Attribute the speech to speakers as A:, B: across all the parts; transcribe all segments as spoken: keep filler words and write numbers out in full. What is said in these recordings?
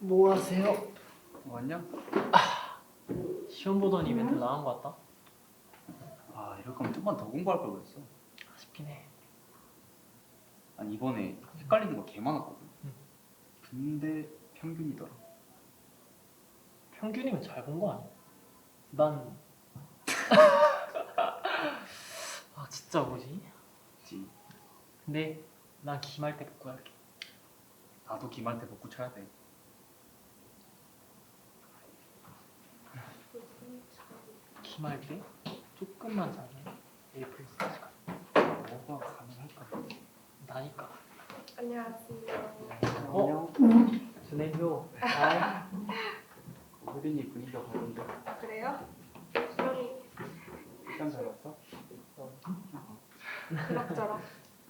A: 뭐 하세요?
B: 왔냐?
A: 시험 보던 이벤트 나간 거 같다?
B: 아 이럴 거면 좀만 더 공부할 걸 그랬어.
A: 아쉽긴 해.
B: 아니 이번에 헷갈리는 거 개 많았거든.
A: 응.
B: 근데 평균이더라.
A: 평균이면 잘 본 거 아니야? 난... 아 진짜 뭐지?
B: 그치.
A: 근데 난 기말 때 복구 할게.
B: 나도 기말 때 복구 쳐야 돼.
A: 기말 때 조금만 자면 A 플러스까지 가.
B: 뭐가 가능할까?
A: 나니까.
C: 안녕하세요.
A: 어? 준혜교. 아,
B: 혜린이 분위기가 밝은데.
C: 아, 그래요? 수영이
B: 시간 잘 왔어?
C: 그럭저럭.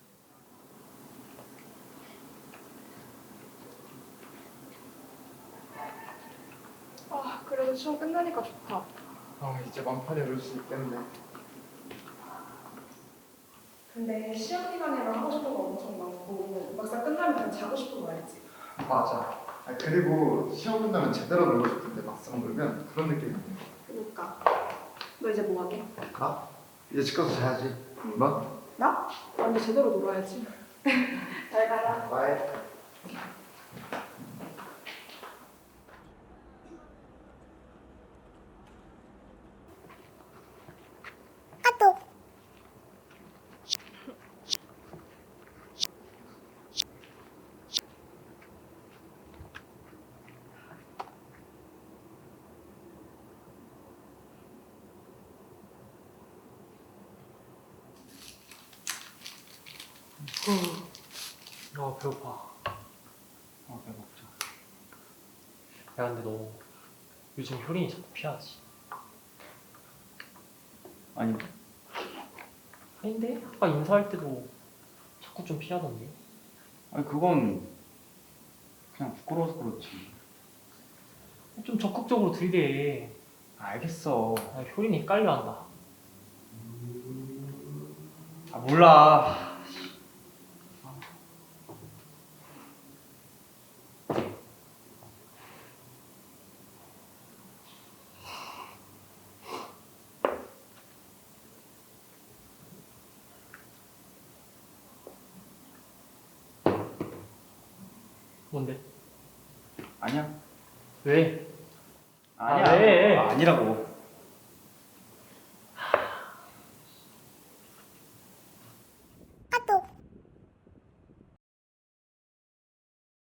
C: 아, 그래도 시험 끝나니까 좋다.
D: 아 이제 만판에 올 수 있겠네.
C: 근데 시험 기간에만 하고 싶은 거 엄청 많고 막상 끝나면 그냥 자고 싶은 거 알지?
D: 맞아. 아, 그리고 시험 끝나면 제대로 놀고 싶은데 막상 놀면 그런 느낌이 안 나.
C: 그니까. 너 이제 뭐 하게?
D: 나? 이제 집 가서 자야지. 너?
C: 나? 완전 제대로 놀아야지. 잘 가라.
D: 바이.
A: 아 배고파.
B: 어 배고프자.
A: 야 근데 너 요즘 효린이 자꾸 피하지?
B: 아니
A: 아닌데? 아까 인사할 때도 자꾸 좀 피하던데?
B: 아니 그건 그냥 부끄러워서 그렇지.
A: 좀 적극적으로 들이대.
B: 알겠어.
A: 아, 효린이 헷갈려한다.
B: 아 몰라.
A: 뭔데?
B: 아니야.
A: 왜?
B: 아니야.
A: 아, 왜?
B: 아, 아니라고.